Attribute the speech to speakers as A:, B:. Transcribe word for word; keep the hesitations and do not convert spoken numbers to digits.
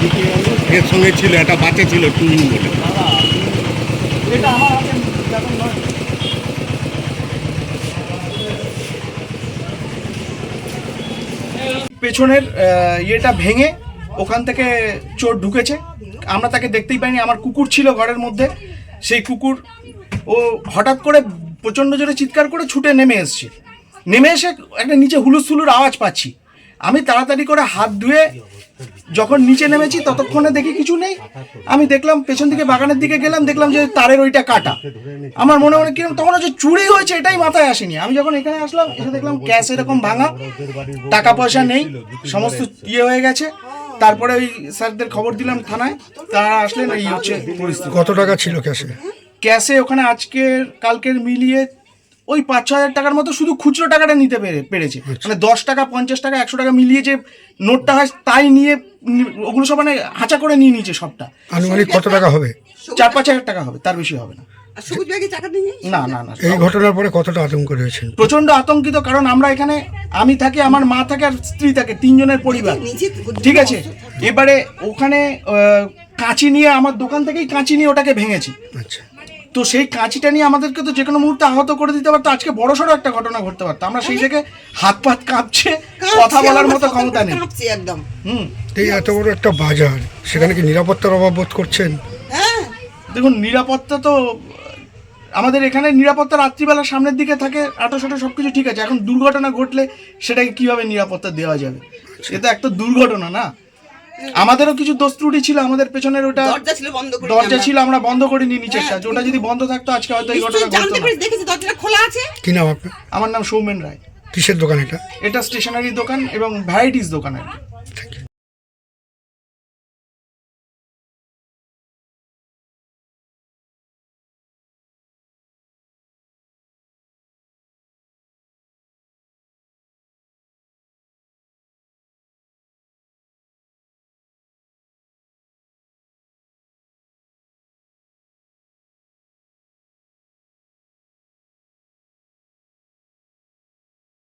A: এর সঙ্গে ছিল একটা বাচ্চা ছিল টুইন বলে।
B: এটা আমার হাতে ব্যাপার নয়। পেছনের আহ, ইয়েটা ভেঙে ওখান থেকে চোর ঢুকেছে, আমরা তাকে দেখতেই পাইনি। আমার কুকুর ছিল ঘরের মধ্যে, সেই কুকুর ও হঠাৎ করে প্রচণ্ড জোরে চিৎকার করে ছুটে নেমে এসছে। নেমে এসে একটা নিচে হুলুস হুলুর আওয়াজ পাচ্ছি। আমি তাড়াতাড়ি করে হাত ধুয়ে যখন নিচে নেমেছি ততক্ষণে দেখি কিছু নেই। আমি দেখলাম পেছন দিকে বাগানের দিকে গেলাম, দেখলাম যে তারের ওইটা কাটা। আমার মনে মনে কিরকম তখন হচ্ছে চুরি হয়েছে এটাই মাথায় আসেনি। আমি যখন এখানে আসলাম এসে দেখলাম ক্যাশ এরকম ভাঙা, টাকা পয়সা নেই, সমস্ত ইয়ে হয়ে গেছে। তারপরে ওই স্যারদের খবর দিলাম থানায়, তারা আসলেন। এই হচ্ছে পরিস্থিতি।
C: কত টাকা ছিল ক্যাশে?
B: ক্যাশে ওখানে আজকের কালকের মিলিয়ে ওই পাঁচ ছ হাজার টাকার মতো শুধু খুচরো টাকাটা নিতে পেরে পেরেছে। মানে দশ টাকা পঞ্চাশ টাকা একশো টাকা মিলিয়ে যে নোটটা হয় তাই নিয়ে নি- ওগুলো সব মানে হাঁচা করে নিয়ে নিয়েছে সবটা।
C: আনুমানিক কত টাকা হবে?
B: চার পাঁচ হাজার টাকা হবে, তার বেশি হবে না।
D: আর সবুজ ব্যাগে টাকা দিয়ে
B: না না না
C: এই ঘটনার পরে কতটা আতঙ্ক রয়েছেন?
B: প্রচন্ড আতঙ্কিত, কারণ আমরা এখানে আমি থাকি, আমার মা থাকে আর স্ত্রী থাকে, তিনজনের পরিবার।
D: নিচে
B: ঠিক আছে, এবারে ওখানে আহ, কাঁচি নিয়ে আমার দোকান থেকেই কাঁচি নিয়ে ওটাকে ভেঙেছি।
C: আচ্ছা,
B: তো সেই কাঁচিটা নিয়ে আমাদেরকে তো যে কোনো মুহূর্তে আহত করে দিতে পারতো। আজকে বড় সড়ো একটা ঘটনা ঘটতে পারতো। আমরা সেই থেকে হাত পাত কাঁপছে, কথা বলার মতো ক্ষমতা নেই।
D: কাঁপছে একদম।
B: হুম,
C: এই এত বড় একটা বাজার, সেখানে কি নিরাপত্তার অভাব বোধ করছেন?
D: হ্যাঁ,
B: দেখুন নিরাপত্তা তো আমাদের এখানে নিরাপত্তা রাত্রিবেলা সামনের দিকে থাকে, আটো সাটো সব কিছু ঠিক আছে। এখন দুর্ঘটনা ঘটলে সেটাকে কিভাবে নিরাপত্তা দেওয়া যাবে? এটা একটা দুর্ঘটনা না। আমাদেরও কিছু দোষ ত্রুটি ছিল, আমাদের পেছনের ওটা
D: দরজা ছিল বন্ধ করে
B: দরজা ছিল, আমরা বন্ধ করে নিয়ে নিচেরটা। ওটা যদি বন্ধ থাকতো আজকে হয়তো এই ঘটনা ঘটতো
D: জানতে
B: না।
D: পারি দেখেছি দরজাটা খোলা আছে।
C: কি নাম আপনার?
B: আমার নাম সৌমেন রায়।
C: কিসের দোকান এটা?
B: এটা স্টেশনারি দোকান এবং ভ্যারাইটিস দোকান আর কি।
C: Thank you.